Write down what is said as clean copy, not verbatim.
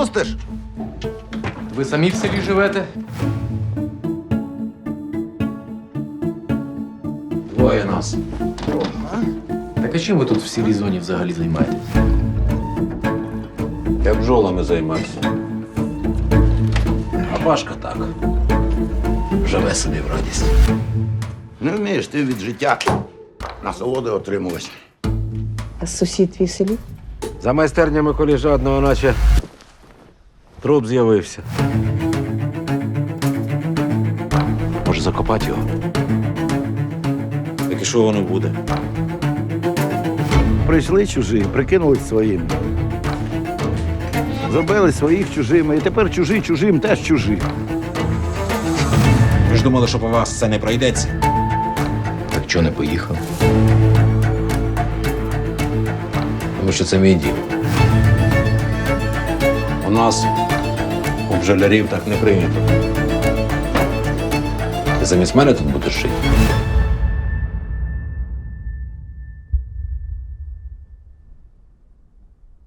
пустиш? Ви самі в селі живете? Двоє нас. Так а чим ви тут в сірій зоні взагалі займаєтесь? Я бджолами займаюся. А Пашка так. Живе собі в радість. Не вмієш ти від життя насолоди отримувати. А сусід твій селі? За майстернями коліжадного, наче труп з'явився. Може, закопати його? Так і що воно буде? Прийшли чужі, прикинулись своїм. Зробили своїх чужими, і тепер чужі чужим теж чужі. Ви ж думали, що по вас це не пройдеться? Так чого не поїхав? Тому що це мій дім. У нас у бджолярів так не прийнято. Ти замість мене тут будеш жити?